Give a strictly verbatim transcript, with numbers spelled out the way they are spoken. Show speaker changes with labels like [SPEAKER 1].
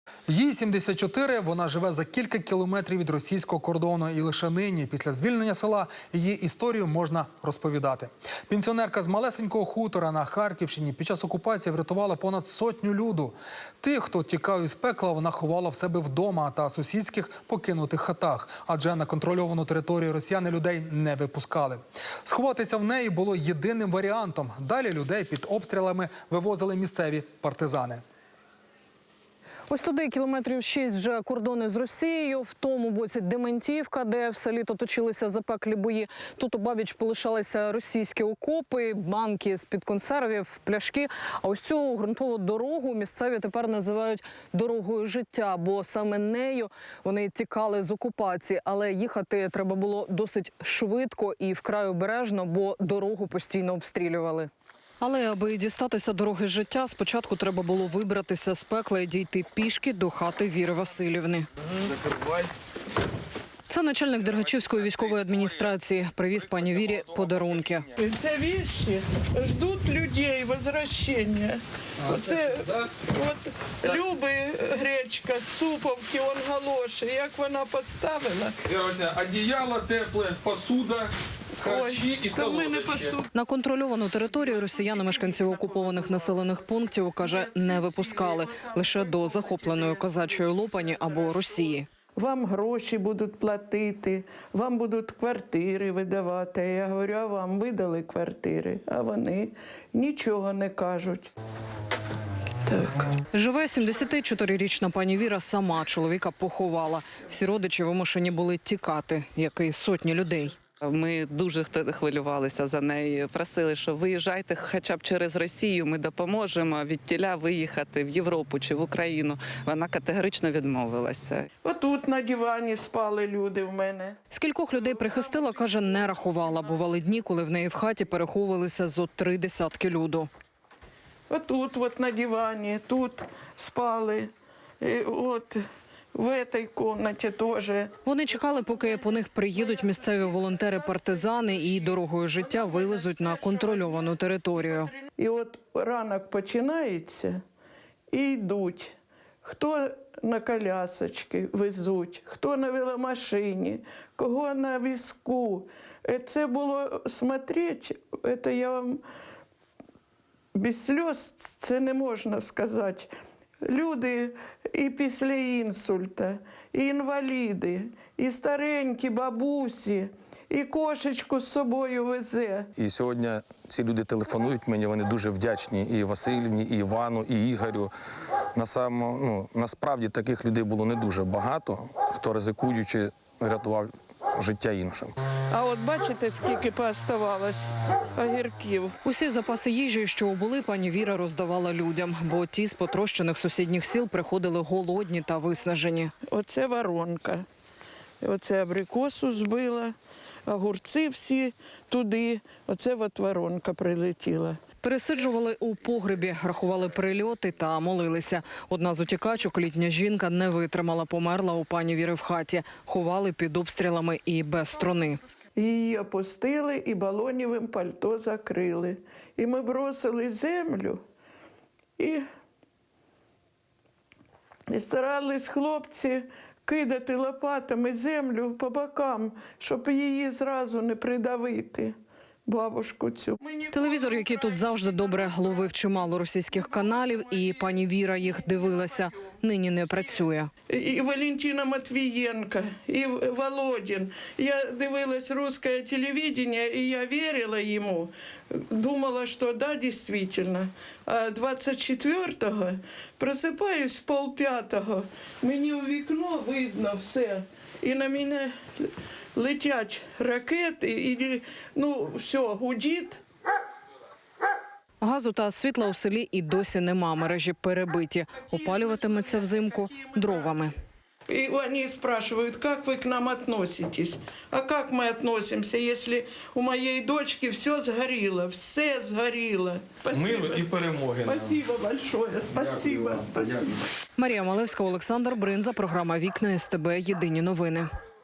[SPEAKER 1] Їй сімдесят чотири, вона живе за кілька кілометрів від російського кордону. І лише нині, після звільнення села, її історію можна розповідати. Пенсіонерка з малесенького хутора на Харківщині під час окупації врятувала понад сотню люду. Тих, хто тікав із пекла, вона ховала в себе вдома та сусідських покинутих хатах. Адже на контрольовану територію росіяни людей не випускали. Сховатися в неї було єдиним варіантом. Далі людей під обстрілами вивозили місцеві партизани.
[SPEAKER 2] Ось туди кілометрів шість вже кордони з Росією, в тому боці Дементівка, де все літо точилися запеклі бої. Тут обабіч полишалися російські окопи, банки з-під консервів, пляшки. А ось цю ґрунтову дорогу місцеві тепер називають дорогою життя, бо саме нею вони тікали з окупації. Але їхати треба було досить швидко і вкрай обережно, бо дорогу постійно обстрілювали. Але аби дістатися дороги життя, спочатку треба було вибратися з пекла і дійти пішки до хати Віри Васильівни. Це начальник Дергачівської військової адміністрації. Привіз пані Вірі подарунки.
[SPEAKER 3] Ці речі ждуть людей, возвращення. Оце от Люби гречка з суповки, он галоші. Як вона поставила?
[SPEAKER 4] Одіяло тепле, посуда. Харчі і солодощі.
[SPEAKER 2] На контрольовану територію росіяни мешканців окупованих населених пунктів, каже, не випускали. Лише до захопленої козачої Лопані або Росії.
[SPEAKER 3] Вам гроші будуть платити, вам будуть квартири видавати. Я говорю, а вам видали квартири, а вони нічого не кажуть. Так.
[SPEAKER 2] Живе сімдесятичотирирічна пані Віра сама, чоловіка поховала. Всі родичі вимушені були тікати, як і сотні людей.
[SPEAKER 5] Ми дуже хвилювалися за неї, просили, що виїжджайте хоча б через Росію, ми допоможемо від тіля виїхати в Європу чи в Україну. Вона категорично відмовилася.
[SPEAKER 3] Отут на дивані спали люди в мене.
[SPEAKER 2] Скількох людей прихистила, каже, не рахувала. Бували дні, коли в неї в хаті переховувалися зо три десятки люду.
[SPEAKER 3] Отут от на дивані, тут спали, і от в цій кімнаті теж.
[SPEAKER 2] Вони чекали, поки по них приїдуть місцеві волонтери-партизани і дорогою життя вивезуть на контрольовану територію.
[SPEAKER 3] І от ранок починається і йдуть. Хто на колясочки везуть, хто на веломашині, кого на візку. Це було смотреть, це я вам без сльоз це не можна сказати. Люди і після інсульта, і інваліди, і старенькі бабусі, і кошечку з собою везе.
[SPEAKER 6] І сьогодні ці люди телефонують мені, вони дуже вдячні і Васильівні, і Івану, і Ігорю. На само, ну, насправді таких людей було не дуже багато, хто ризикуючи рятував життя іншим.
[SPEAKER 3] А от бачите, скільки пооставалось огірків.
[SPEAKER 2] Усі запаси їжі, що були, пані Віра роздавала людям, бо ті з потрощених сусідніх сіл приходили голодні та виснажені.
[SPEAKER 3] Оце воронка. Оце абрикосу збила, огурці всі туди. Оце от воронка прилетіла.
[SPEAKER 2] Пересиджували у погребі, рахували прильоти та молилися. Одна з утікачок, літня жінка, не витримала, померла у пані Віри в хаті. Ховали під обстрілами і без струни.
[SPEAKER 3] Її опустили і балонівим пальто закрили. І ми бросили землю і, і старались хлопці кидати лопатами землю по бокам, щоб її зразу не придавити. Бабушку цю.
[SPEAKER 2] Телевізор, який тут завжди добре ловив чимало російських каналів, і пані Віра їх дивилася, нині не працює.
[SPEAKER 3] І Валентина Матвієнко, і Володін. Я дивилась русське телебачення, і я вірила йому. Думала, що да, дійсно. А двадцять четвертого просипаюсь в полп'ятого, мені у вікно видно все. І на мене летять ракети, і, ну, все, гудить.
[SPEAKER 2] Газу та світла у селі і досі нема, мережі перебиті. Опалюватиметься взимку дровами.
[SPEAKER 3] И они спрашивают, как вы к нам относитесь? А как мы относимся, если у моей дочки все сгорело, все сгорело?
[SPEAKER 4] Миру і перемоги.
[SPEAKER 3] Спасибо большое, спасибо, спасибо.
[SPEAKER 2] Марія Малевська, Олександр Бринза, програма «Вікна СТБ. Єдині новини».